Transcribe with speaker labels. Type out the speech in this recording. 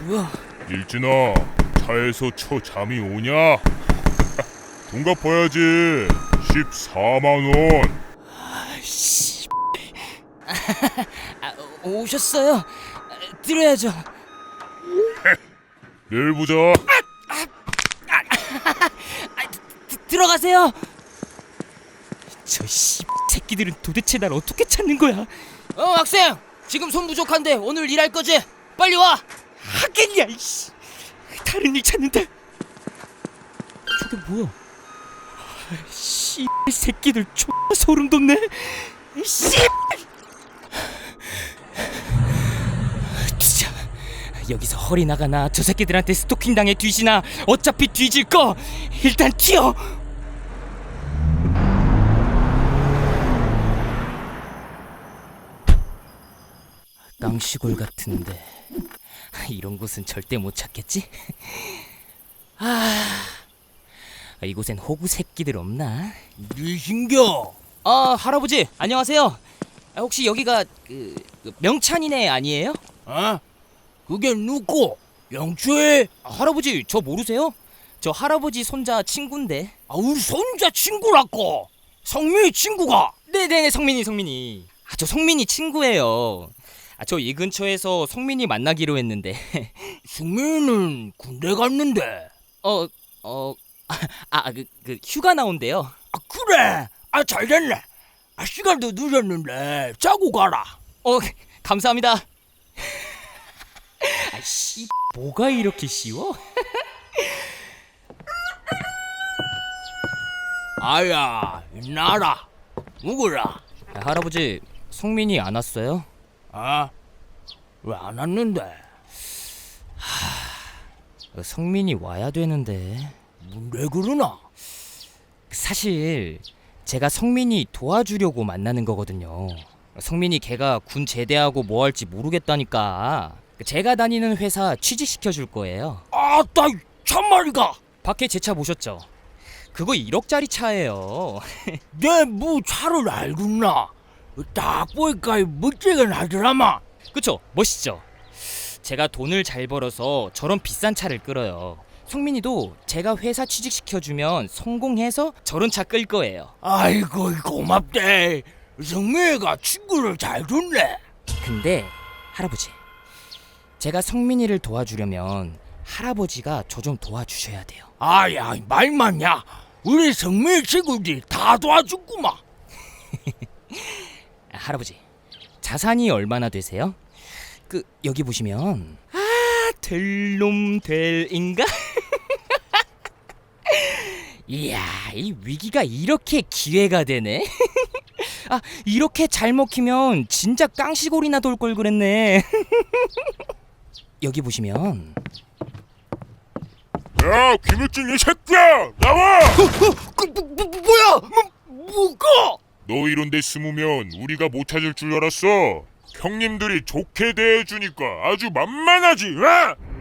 Speaker 1: 뭐야?
Speaker 2: 일진아, 차에서 잠이 오냐? 돈 갚아야지. 14만원.
Speaker 1: 아이씨. 오셨어요? 들어야죠.
Speaker 2: 내일 보자.
Speaker 1: 들어가세요. 저 새끼들은 도대체 날 어떻게 찾는 거야? 학생! 지금 손 부족한데 오늘 일할 거지? 빨리 와! 하겠냐 이씨. 다른 일 찾는데. 저게 뭐야? 새끼들 소름 돋네. 진짜 여기서 허리 나가나 저 새끼들한테 스토킹 당해 뒤지나 어차피 뒤질 거 일단 튀어. 깡시골 같은데 이런 곳은 절대 못 찾겠지? 이곳엔 호구 새끼들 없나?
Speaker 3: 니신겨?
Speaker 1: 할아버지 안녕하세요. 혹시 여기가 그 명찬이네 아니에요?
Speaker 3: 그게 누구? 영주에?
Speaker 1: 할아버지 저 모르세요? 저 할아버지 손자 친구인데.
Speaker 3: 우리 손자 친구라고. 성민이 친구가.
Speaker 1: 네네 성민이. 저 성민이 친구예요. 저 이 근처에서 성민이 만나기로 했는데.
Speaker 3: 성민이는 군대 갔는데.
Speaker 1: 휴가 나온대요.
Speaker 3: 그래. 잘됐네. 시간도 늦었는데 자고 가라.
Speaker 1: 감사합니다. 뭐가 이렇게 쉬워?
Speaker 3: 아야, 나라. 누구라?
Speaker 1: 할아버지 성민이 안 왔어요?
Speaker 3: 왜 안 왔는데?
Speaker 1: 성민이 와야 되는데.
Speaker 3: 왜 그러나?
Speaker 1: 사실 제가 성민이 도와주려고 만나는 거거든요. 성민이 걔가 군 제대하고 뭐 할지 모르겠다니까 제가 다니는 회사 취직시켜줄 거예요.
Speaker 3: 나 참말이가.
Speaker 1: 밖에 제 차 보셨죠? 그거 1억짜리 차예요.
Speaker 3: 내 뭐 차를 알겠나? 딱 보니까 멋지긴 하더라마.
Speaker 1: 그쵸? 멋있죠? 제가 돈을 잘 벌어서 저런 비싼 차를 끌어요. 성민이도 제가 회사 취직시켜주면 성공해서 저런 차 끌 거예요.
Speaker 3: 아이고 고맙대. 성민이가 친구를 잘 줬네.
Speaker 1: 근데 할아버지, 제가 성민이를 도와주려면 할아버지가 저 좀 도와주셔야 돼요.
Speaker 3: 야, 말 맞냐? 우리 성민이 친구들이 다 도와줬구만.
Speaker 1: 할아버지, 자산이 얼마나 되세요? 여기 보시면 될 놈 될인가? 이야, 이 위기가 이렇게 기회가 되네. 이렇게 잘 먹히면 진짜 깡시골이나 돌 걸 그랬네. 여기 보시면
Speaker 2: 야, 김일진 이 새끼야, 나와!
Speaker 3: 뭐야? 뭐가?
Speaker 2: 너 이런 데 숨으면 우리가 못 찾을 줄 알았어. 형님들이 좋게 대해주니까 아주 만만하지,